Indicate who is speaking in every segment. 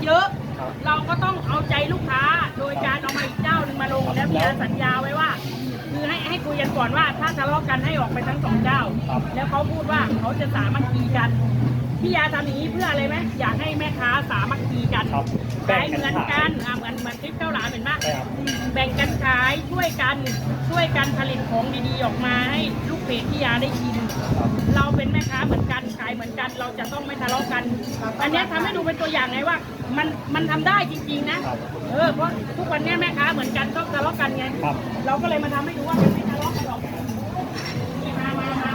Speaker 1: เยอะเราก็ต้องเอาใจลูกค้าโดยการเอามาอีกเจ้าหนึ่งมาลงแล้วพี่ยาสัญญาไว้ว่าคือให้คุยกันก่อนว่าถ้าทะเลาะกันให้ออกไปทั้ง2เจ้าแล้วเขาพูดว่าเขาจะสามัคคีกันพี่ยาทำอย่างนี้เพื่ออะไรไหมอยากให้แม่ค้าสามัคคีกันขายเหมือนกันเหมือนคลิปข้าวหลามเห็นไหมแบ่งกันขายช่วยกันผลิตของดีๆออกมาให้ลูกเพจพี่ยาได้กินเราเป็นแม่ค้าเหมือนกันขายเหมือนกันเราจะต้องไม่ทะเลาะกันอันนี้ทำให้ดูเป็นตัวอย่างไงว่ามันทำได้จริงๆนะเพราะทุกวันนี้แม่ค้าเหมือนกันชอบทะเลาะกันไงเราก็เลยมาทำให้ดูว่ามันไม่ทะเลาะกันหรอกมา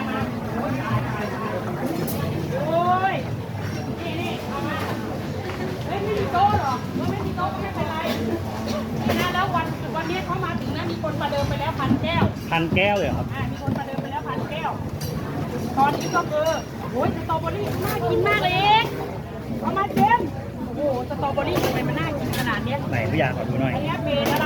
Speaker 1: โอ้ยนี่เอามาเฮ้ยไม่มีโต๊ะหรอไม่มีโต๊ะก็ไม่เป็นไรนะแล้ววันนี้เขามาถึงนะมีคนประเดิมไปแล้ว1,000 แก้ว
Speaker 2: 1,000 แก้วเลยครับ
Speaker 1: มีคนประเดิมไปแล้ว1,000 แก้วตอนนี้ก็คือโอ้ยสตรอเบอรี่น่ากินมากเลยเอามาเจมโอ้โหสตรอเบอรี่ทำไมมันน่ากินขนาดนี้
Speaker 2: ไหนพี่ยาขอดูหน่อย
Speaker 1: อันนี้เป็นอะไร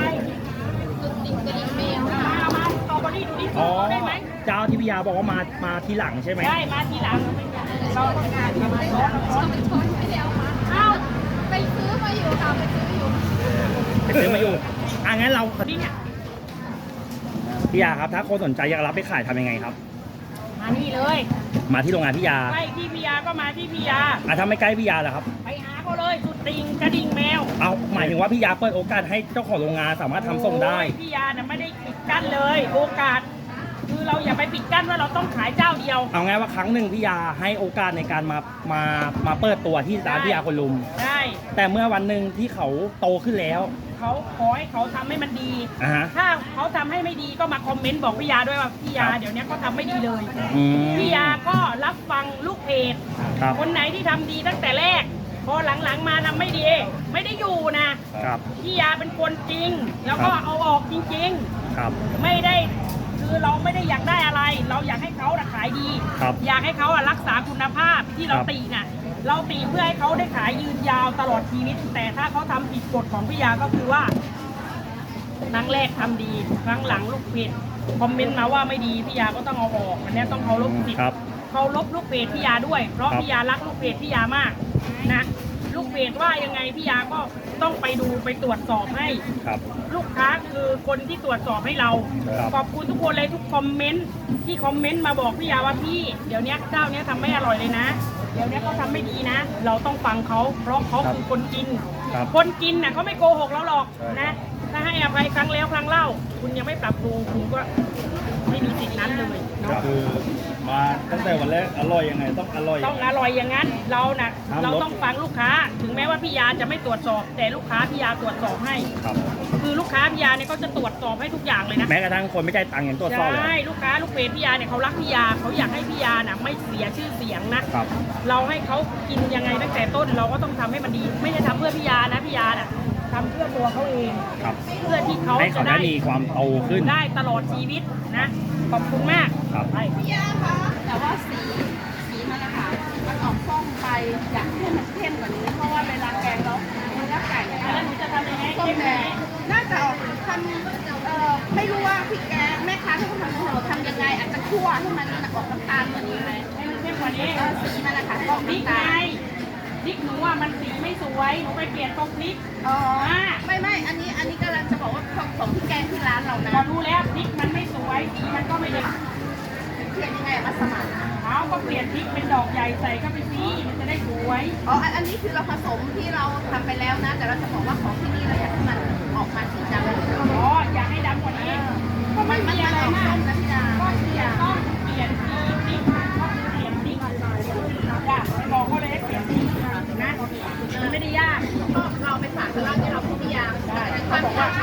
Speaker 1: มาสตรอเบอรี่ดูดิได้ไหม
Speaker 2: เจ้าที่พี่ยาบอกว่ามาทีหลังใช่ไหม
Speaker 1: ใช่มาทีหลังเราต้องการทำอะไรร้อน
Speaker 3: ไม่ได้เอามาอ้าวไปซื้อมาอยู่ค่ะไปซื้อมาอยู่
Speaker 2: งั้นเรา
Speaker 1: นี่เนี่ย
Speaker 2: พี่ยาครับถ้าคนสนใจอยากรับไปขายทำยังไงครับ
Speaker 1: มานี่เลย
Speaker 2: มาที่โรงงานพี่ยา
Speaker 1: ใกล้ที่พี่ยาก็มาที่พี่ยา
Speaker 2: ถ้าไม่ใกล้พี่ยาล่ะครับ
Speaker 1: ไปหาเขาเลยสุดติงกระดิ่งแมว
Speaker 2: หมายถึงว่าพี่ยาเปิดโอกาสให้เจ้าของโรงงานสามารถทำส่งได้
Speaker 1: พี่ยาเนี่ยไม่ได้ปิดกั้นเลยโอกาสคือเราอย่าไปปิดกั้นว่าเราต้องขายเจ้าเดียว
Speaker 2: เอาไงว่าครั้งหนึ่งพี่ยาให้โอกาสในการมาเปิดตัวที่ร้านพี่ยาคนลุม
Speaker 1: ได้
Speaker 2: แต่เมื่อวันหนึ่งที่เขาโตขึ้นแล้ว
Speaker 1: เขาขอให้เขาทำให้มันดีถ้าเขาทำให้ไม่ดีก็มาคอมเมนต์บอกพี่ยาด้วยว่าพี่ยาเดี๋ยวนี้เขาทำไม่ดีเลยพี่ยาก็รับฟังลูกเพจคนไหนที่ทำดีตั้งแต่แรกพอหลังๆมาทำไม่ดีไม่ได้อยู่นะพี่ยาเป็นคนจริงแล้วก็เอาออกจริงๆไม่ได้คือเราไม่ได้อยากได้อะไรเราอยากให้เขาขายดีอยากให้เขารักษาคุณภาพที่เราตีน่ะเราตีเพื่อให้เขาได้ขายยืนยาวตลอดชีวิตแต่ถ้าเขาทำผิดกฎของพี่ยาก็คือว่าครั้งแรกทำดีครั้งหลังลูกเพจคอมเมนต์มาว่าไม่ดีพี่ยาก็ต้องเอาออกอันนี้ต้องเคารพสิทธิ์เคารพลูกเพจพี่ยาด้วยเพราะพี่ยารักลูกเพจพี่ยามากนะลูกเพจว่ายังไงพี่ยาก็ต้องไปดูไปตรวจสอบให้ลูกค้าคือคนที่ตรวจสอบให้เราขอบคุณทุกคนเลยทุกคอมเมนต์ที่คอมเมนต์มาบอกพี่ยาว่าพี่เดี๋ยวนี้เจ้านี้ทำไม่อร่อยเลยนะเดี๋ยวนี้เขาทำไม่ดีนะเราต้องฟังเขาเพราะเขาคือคนกินคนกินน่ะเขาไม่โกหกเราหรอกนะถ้าให้อภัยครั้งแล้วครั้งเล่าคุณยังไม่ปรับปรุงคุณก็ไม่มีสิทธินั้นเลย
Speaker 2: คือมาตั้งแต่วันแรกอร่อยยังไงต้องอร่อย
Speaker 1: อย่างนั้นเราต้องฟังลูกค้าถึงแม้ว่าพี่ยาจะไม่ตรวจสอบแต่ลูกค้าพี่ยาตรวจสอบให้คือลูกค้าพี่ยาเนี่ยเขาจะตรวจสอบให้ทุกอย่างเลยนะ
Speaker 2: แม้กระทั่งคนไม่ได้ตังค์อย่างตรวจสอบเลย
Speaker 1: ใช่ลูกค้าลูกเพจพี่ยาเนี่ยเขารักพี่ยาเขาอยากให้พี่ยาน่ะไม่เสียชื่อเสียงนะเราให้เขากินยังไงตั้งแต่ต้นเราก็ต้องทำให้มันดีไม่ได้ทำเพื่อพี่ยานะพี่ยาน่ะทำเพื่อตัวเขาเองเพื่อที่เขา
Speaker 2: จะได้มีความโตขึ้น
Speaker 1: ได้ตลอดชีวิตนะขอบคุณมาก
Speaker 3: พี่ยาคะแต่ว่าสีมันนะคะมันออกส้มไปอยากให้มันเข้มกว่านี้เพราะว่าเวลาแกงแล้วมันจะไก่
Speaker 1: แล้วหนูจะทำยังไง
Speaker 3: ส้มแดงน่าจะออกทำไม่รู้ว่าพี่แกงแม่ค้าที่เขาทำยังไงอาจจะคั่วให้มันออกน้ำตาลกว่านี้ไหม
Speaker 1: ให้มันเข้มกว่านี้
Speaker 3: สีมันนะคะออก
Speaker 1: พริกไงพริกหนูว่ามันสีไม่สวยหนูไปเปลี่ยนตรงพริก
Speaker 3: ไม่อันนี้กำลังจะบอกว่าของพี่แกงที่ร้านเรานะ
Speaker 1: ก็รู้แล้วพริกมันไม่สวยสีมันก็ไม่ดี
Speaker 3: เปลี่ยนยังไงมาสมัคร
Speaker 1: เขาก็เปลี่ยนพริกเป็นดอกใหญ่ใส่เข้าไปสิมันจะได้สวย
Speaker 3: อันนี้คือเราผสมที่เราทำไปแล้วนะแต่เราจะบอกว่าของที่นี่เราอยากให้มันออกมาสีด
Speaker 1: ำอยากให้ดำกว่านี้ก็ไม่มีอะไรมาก
Speaker 3: นะพี่ดา
Speaker 1: ก็ต้องเปลี่ยนพริกต้องเปลี่ยนพริกไปบอกเขาเลยให้เปลี่ยนพริกนะมันไม่ได้ยาก
Speaker 3: เราไปฝากร้านที่เราพี่ยาเขาบอกว่า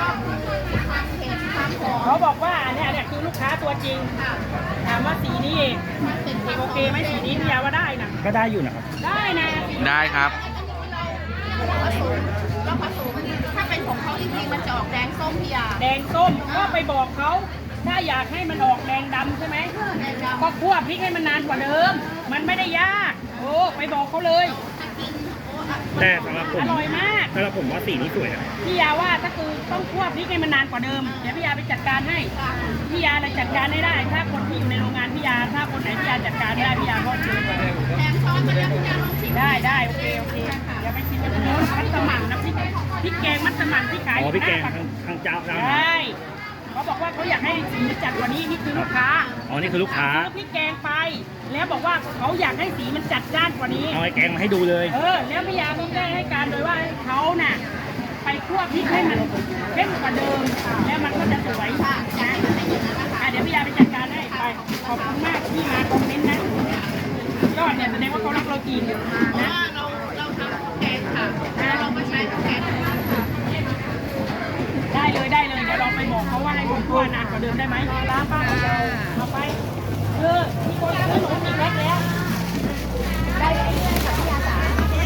Speaker 1: เขาบอกว่าเนี่ยคือลูกค้าตัวจริงถามว่าสีนี้เองโอเคไหมสีนี้พี่ยาว่าได้นะ
Speaker 2: ก็ได้อยู่นะครับ
Speaker 1: ได้นะ
Speaker 2: ได้ครับ
Speaker 3: เราผสมถ้าเป็นของเขาจริงๆมันจะออกแดงส้มพี่ยา
Speaker 1: แดงส้มก็ไปบอกเขาถ้าอยากให้มันออกแดงดำใช่ไหมก็คั่วพริกให้มันนานกว่าเดิมมันไม่ได้ยากไปบอกเขาเลย
Speaker 2: แต่สำหรับผม
Speaker 1: อร่อยมาก
Speaker 2: สำหรับผมว่าสีนี้สวยนะ
Speaker 1: พี่ยาว่าถ้าคือต้องคั่วพริกให้มันนานกว่าเดิมเดี๋ยวพี่ยาไปจัดการให้พี่ยาเลยจัดการได้ถ้าคนที่อยู่ในโรงงานพี่ยาถ้าคนไหนพี่ยาจัดการได้พี่ยาก็เชิญมาเลย
Speaker 3: แถมช้อนมาแล้วพี่ยาลองชิม
Speaker 1: ได้โอเคเดี๋ยวไปชิมกันโน้นมัสมั่นนะพริกแกงมัสมั่นที่ขาย
Speaker 2: อ๋อพี่แกง
Speaker 1: 5 บาท
Speaker 2: ทางเจ้า
Speaker 1: ใช่เขาบอกว่าเขาอยากให้สีมันจัดกว่านี้นี่คือลูกค้า
Speaker 2: อ๋อนี่คือลูกค้า
Speaker 1: ซื้อพริกแกงไป แล้วบอกว่าเขาอยากให้สีมันจัดจ้านกว่านี้
Speaker 2: เอาไอ้แกงมาให้ดูเลย
Speaker 1: แล้วพี่ยาต้องได้ให้การโดยว่าเขาน่ะไปคั่วพริกให้มันเข้มกว่าเดิม แล้วมันก็จะสวยนะเดี๋ยวพี่ยาไปจัดการให้ไปขอบคุณมากที่มาคอมเมนต์นะยอดเนี่ยแสดงว่าเขารักเราจริง
Speaker 3: เพราะ
Speaker 1: นะ
Speaker 3: ว่าเราทำข้าวแกงค่ะแล้วเราก็ใช้ข้าวแกงค่ะ
Speaker 1: ได้เลยเดี๋ยวลองไปบอกเขาว่าให้ผมคั่วนานกว่าเดิมได้ไหมร้านป้าของเราเอาไปมีคนซื้อหนูมีแพ็คแล้วได้เรื่อยๆค่ะพี่ยาจ๋า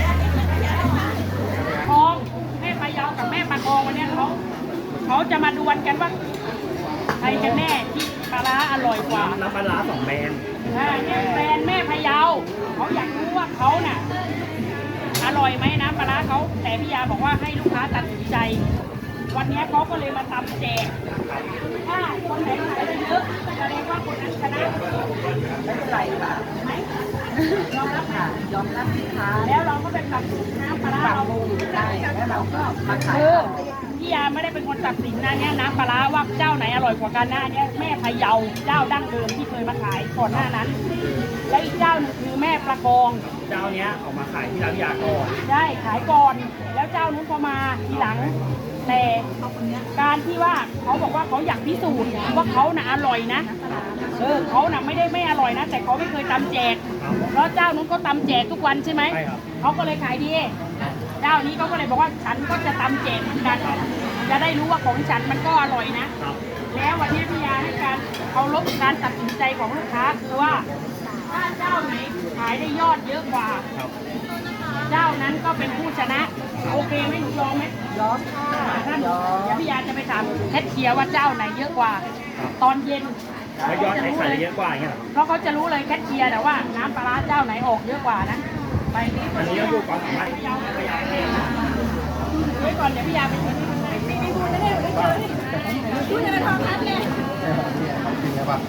Speaker 1: ทองแม่ปลายาวกับแม่ปลาทองวันนี้เขาจะมาดวลกันว่าใครกันแน่ที่ปลาร้าอร่อยกว่า
Speaker 2: น้ำปลาร้า2แบรนด์
Speaker 1: แฟนแม่พะเยาเขาอยากรู้ว่าเขาน่ะอร่อยไหมนะปลาร้าเขาแต่พี่ยาบอกว่าให้ลูกค้าตัดสินใจ วันนี้เขาก็เลยมาตำแจกถ้าคนไหนขายได้เยอะแสดงว่าคนนั้นชนะไม่เป็นไรค่ะไหมยอมรับค่ะยอมรับสินค้าแล้วเราก็เป็นตัดสินน้ำปลาร้าเราได้แล้วเราก็มาขายพี่ยาไม่ได้เป็นคนตัดสินนะเนี่ยน้ำปลาร้าว่าเจ้าไหนอร่อยกว่ากันนะเนี่ยแม่พะเยาเจ้าดั้งเดิมที่เคยมาขายก่อนหน้านั้น และอีกเจ้าหนึงคือแม่ประคอง
Speaker 2: เจ้าเนี้ยออกมาขายที่ร้านพิยาก่อน
Speaker 1: ได้ขายก่อน แล้วเจ้านู้นพอมาทีหลัง แต่การที่ว่าเขาบอกว่าเขาอยากพิสูจน์ว่าเขาน่ะอร่อยนะเขาน่ะไม่ได้ไม่อร่อยนะ แต่เขาไม่เคยตำแจกเพราะเจ้านู้นก็ตำแจกทุกวันใช่ไหม
Speaker 2: ใช่ครับ
Speaker 1: เขาก็เลยขายดีเจ้านี้เขาก็เลยบอกว่าฉันก็จะตำแจกเหมือนกันจะได้รู้ว่าของฉันมันก็อร่อยนะ
Speaker 2: ครับ
Speaker 1: แล้ววันนี้พี่ยาให้การเคารพการตัดสินใจของลูกค้าคือว่าถ้าเจ้าไหนขายได้ยอดเยอะกว่า
Speaker 2: ครับ
Speaker 1: เจ้านั้นก็เป็นผู้ชนะ โอเคไหมหนูยอมไหมยอมค่ะท่านเดี๋ยวพี่ยาจะไปถามแคทเชียร์ว่าเจ้าไหนเยอะกว่า ตอนเย็น
Speaker 2: แล้วยอดไหนขายได้เยอะกว่าอย่างเงี้ยเหรอ
Speaker 1: เพราะเขาจะรู้เลยแคทเชียร์แต่ว่าน้ำปลาร้าเจ้าไหนออกเยอะกว่านะไป
Speaker 2: อันนี้ก็อยู่ความสามารถ
Speaker 1: พะเยาพะเยาไว้ก่อนเดี๋ยวพี่ยาไปดูนี่ดูจะได้ดูได้เจอนี่ดูจะได้ทองทัดเลย
Speaker 4: จริงไหมปะ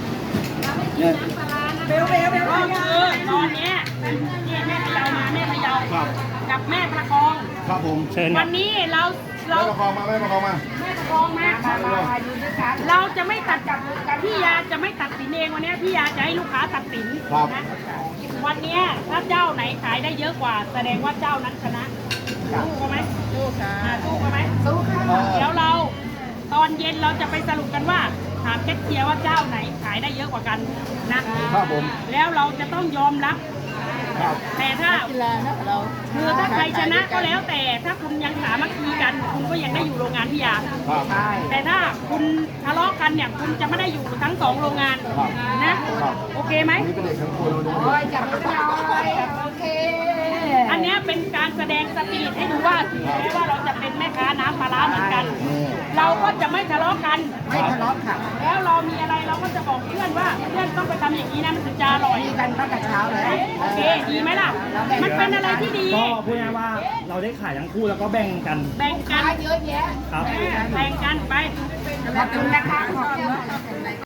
Speaker 1: เบลก็คือตอนเนี้ยนี่แม่พะเยามาแม่พะเยา
Speaker 4: ครับ
Speaker 1: กับแม่ประคอง
Speaker 4: ครับผม
Speaker 2: เชิญค
Speaker 1: วั
Speaker 2: รับ
Speaker 1: นนี้เรา
Speaker 4: แม่ประคองมาแม่ประคองมา
Speaker 1: แม่ประคองมาเราจะไม่ตัดกับพี่ยาจะไม่ตัดสินเองวันนี้พี่ยาจะให้ลูกค้าตัดสิน
Speaker 4: ครับ
Speaker 1: นะวันนี้ถ้าเจ้าไหนขายได้เยอะกว่า แสดงว่าเจ้านั้นชนะสู้กันไหมสู้ค่ะสู้กันไหมสู้ค่ะเดี๋ยวเราตอนเย็นเราจะไปสรุปกันว่าถามแคทเชียร์ว่าเจ้าไหนขายได้เยอะกว่ากันนะครับ
Speaker 4: ผม
Speaker 1: แล้วเราจะต้องยอมรับ
Speaker 4: ครับ
Speaker 1: แต่ถ้าคือถ้าใครชนะก็แล้วแต่ถ้าคุณยังสามัคคีกัน คุณก็ยังได้อยู่โรงงานพี่ยา
Speaker 4: ครับ
Speaker 1: แต่ถ้าคุณทะเลาะกันเนี่ยคุณจะไม่ได้อยู่ทั้งสองโรงงานนะโอเคไหม
Speaker 4: นี่เป็นเด็กทั้งคนเลย
Speaker 1: จับมือหน่อยโอเค อันเนี้ยเป็นการแสดงสปิริตให้ดูว่าถึงแม้ว่าเราจะเป็นแม่ค้าน้ำปลาร้าเหมือนกัน เราก็จะไม่ทะเลาะกันไม่ทะเลาะค่ะ แล้วเรามีอะไรเราก็จะบอกเพื่อนว่าเพื่อนต้องไปทำอย่างนี้นะมันถึงจะอร่อยกันตั้งแต่เช้าเลยโอเคดีไหมล่ะ มันเป็นอะไรที่ดี
Speaker 2: ก็พูดง่ายๆว่าเราได้ขายทั้งคู่แล้วก็แบ่งกัน
Speaker 1: แบ่งกันเยอะแยะ
Speaker 2: ครับ
Speaker 1: แบ่งกันไปขอบคุณนะคะขอบคุณ